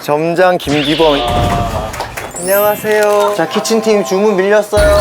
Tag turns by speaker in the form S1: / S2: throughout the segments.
S1: 점장 김기범. 안녕하세요. 자, 키친팀 주문 밀렸어요.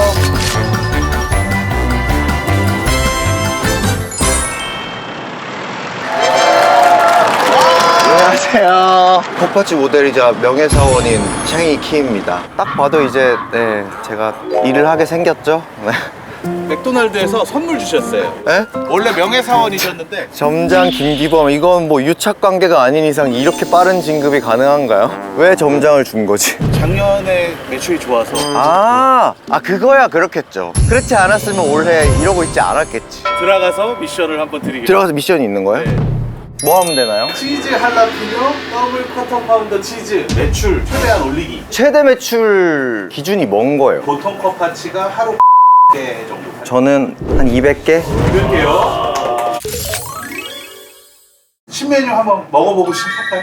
S1: 안녕하세요. 컵파치 모델이자 명예사원인 챈이 키입니다. 딱 봐도 이제 제가 일을 하게 생겼죠.
S2: 맥도날드에서 선물 주셨어요.
S1: 네?
S2: 원래 명예사원이셨는데
S1: 점장 김기범, 이건 뭐 유착관계가 아닌 이상 이렇게 빠른 진급이 가능한가요? 왜 점장을 준 거지?
S2: 작년에 매출이 좋아서
S1: 그거야 그렇겠죠. 그렇지 않았으면 올해 이러고 있지 않았겠지.
S2: 들어가서 미션을 한번 드리겠습니다.
S1: 들어가서 미션이 있는 거예요?
S2: 네.
S1: 뭐 하면 되나요?
S2: 치즈 할라피뇨 더블 쿼터 파운더 치즈 매출 최대한 올리기.
S1: 최대 매출 기준이 뭔 거예요?
S2: 보통 컵파치가 하루 개 정도.
S1: 저는 한 200개?
S2: 이럴게요. 신메뉴 한번 먹어보고 시작할까요?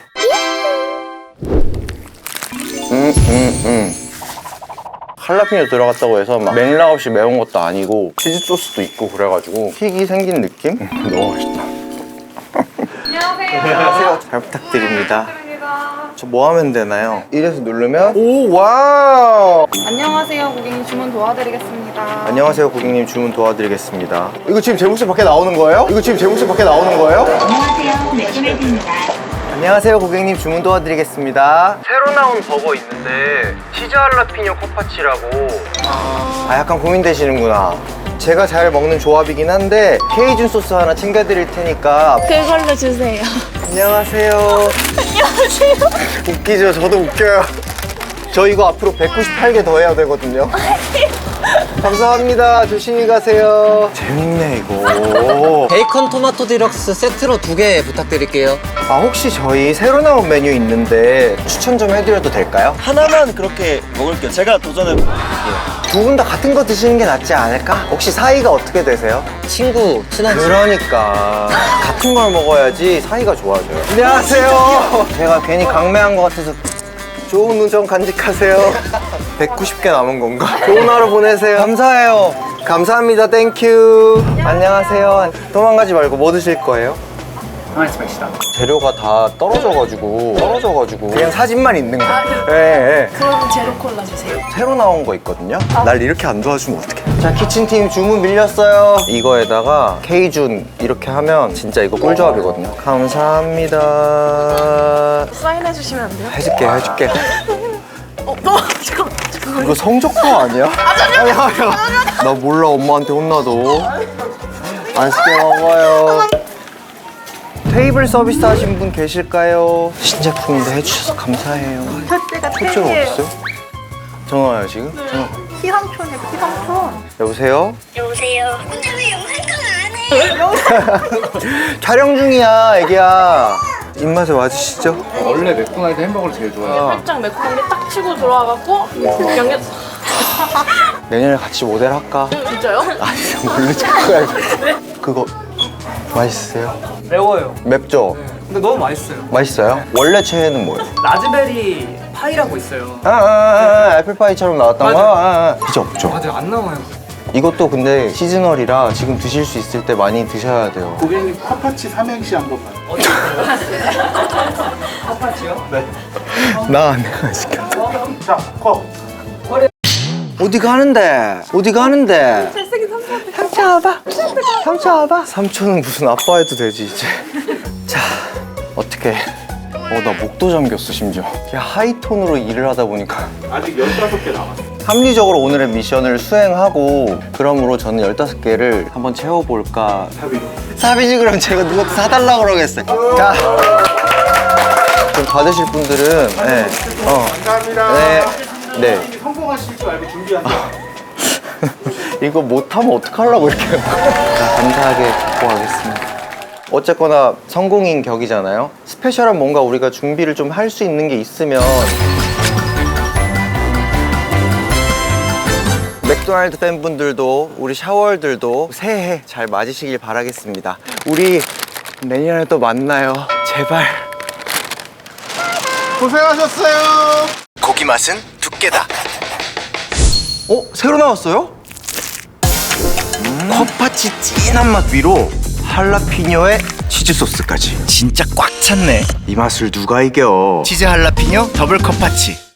S1: 할라피뇨 들어갔다고 해서 막 맥락 없이 매운 것도 아니고 치즈 소스도 있고 그래가지고 킥이 생긴 느낌? 너무 맛있다.
S3: 안녕하세요.
S1: 안녕하세요. 잘 부탁드립니다.
S3: 부탁드립니다.
S1: 저 뭐 하면 되나요? 이래서 누르면 오, 와우!
S3: 안녕하세요. 고객님 주문 도와드리겠습니다.
S1: 안녕하세요, 고객님 주문 도와드리겠습니다. 이거 지금 제 목소리 밖에 나오는 거예요? 이거 지금 제 목소리 밖에 나오는 거예요?
S4: 안녕하세요. 맥도날드입니다.
S1: 안녕하세요, 고객님 주문 도와드리겠습니다. 새로 나온 버거 있는데 치즈 할라피뇨 컵파치라고. 약간 고민되시는구나. 제가 잘 먹는 조합이긴 한데 케이준 소스 하나 챙겨드릴 테니까.
S4: 그걸로 주세요.
S1: 안녕하세요.
S4: 안녕하세요.
S1: 웃기죠? 저도 웃겨요. 저 이거 앞으로 198개 더 해야 되거든요. 감사합니다. 조심히 가세요. 재밌네 이거.
S5: 베이컨 토마토 디럭스 세트로 2개 부탁드릴게요.
S1: 혹시 저희 새로 나온 메뉴 있는데 추천 좀 해드려도 될까요?
S6: 하나만 그렇게 먹을게요. 제가 도전해 볼게요.
S1: 두 분 다 같은 거 드시는 게 낫지 않을까? 혹시 사이가 어떻게 되세요?
S5: 친한 친구.
S1: 그러니까 같은 걸 먹어야지 사이가 좋아져요. 안녕하세요. 제가 괜히 강매한 것 같아서 좋은 우정 간직하세요. 190개 남은 건가? 좋은 하루 보내세요. 감사해요. 감사합니다. 땡큐. 안녕하세요. 도망가지 말고 뭐 드실 거예요? 재료가 다 떨어져가지고 그냥 사진만 있는 거. 예.
S4: 그럼 제로 콜라 주세요.
S1: 새로 나온 거 있거든요. 날 이렇게 안 도와주면 어떡해. 자, 키친팀 주문 밀렸어요. 이거에다가 케이준 이렇게 하면 진짜 이거 꿀조합이거든요. 감사합니다.
S4: 사인해 주시면 안 돼요?
S1: 해줄게.
S4: 잠깐만.
S1: 이거 성적표 아니야? 아니야. 나 몰라, 엄마한테 혼나도. 안 쓰게 먹어요. 테이블 서비스 하신 분 계실까요? 신제품인데 해주셔서 감사해요.
S4: 첫째가
S1: 첫째가 어딨어요? 전화 와요 지금? 전화.
S4: 피상촌이에요, 피상촌.
S1: 여보세요?
S4: 여보세요. 근데 왜 영상통 안 해?
S1: 촬영 중이야, 애기야. 입맛에 맞으시죠?
S2: 원래 맥도날드 햄버거를 제일 좋아해요.
S4: 살짝 매콤한 게 딱 치고 들어와갖고 양념.
S1: 내년에 같이 모델 할까?
S4: 진짜요?
S1: 아니, 모르지 거야. 그거 맛있으세요?
S7: 매워요.
S1: 맵죠?
S7: 근데 너무 맛있어요.
S1: 맛있어요? 원래 최애는 뭐예요?
S7: 라즈베리 파이라고 있어요.
S1: 애플파이처럼 나왔던 거? 진짜 없죠?
S7: 맞아요. 안 나와요.
S1: 이것도 근데 시즈널이라 지금 드실 수 있을 때 많이 드셔야 돼요.
S2: 고객님 컵파치 삼행시 한 번만.
S7: 컵파치요?
S2: 네.
S1: 나 내가 시켜.
S2: 자, 컵.
S1: 어디 가는데? 삼촌 와봐. 삼촌은 무슨 아빠 해도 되지 이제. 자, 어떻게? 나 목도 잠겼어 심지어. 야, 하이톤으로 일을 하다 보니까.
S2: 아직 15개 남았어요.
S1: 합리적으로 오늘의 미션을 수행하고 그러므로 저는 15개를 한번 채워볼까. 사비지 그럼 제가 누가 사달라고 그러겠어요. 자, 좀 받으실 분들은
S2: 감사합니다.
S1: 네.
S2: 성공하실 줄 알고 준비하세요.
S1: 이거 못하면 어떡하려고 이렇게 자, 감사하게 듣고 가겠습니다. 어쨌거나 성공인 격이잖아요. 스페셜한 뭔가 우리가 준비를 좀 할 수 있는 게 있으면. 맥도날드 팬분들도 우리 샤월들도 새해 잘 맞으시길 바라겠습니다. 우리 내년에 또 만나요. 제발.
S2: 고생하셨어요.
S1: 고기 맛은 두께다. 새로 나왔어요? 컵파치 진한 맛 위로 할라피뇨의
S8: 치즈 소스까지 진짜 꽉 찼네.
S1: 이 맛을 누가 이겨?
S8: 치즈 할라피뇨 더블 컵파치.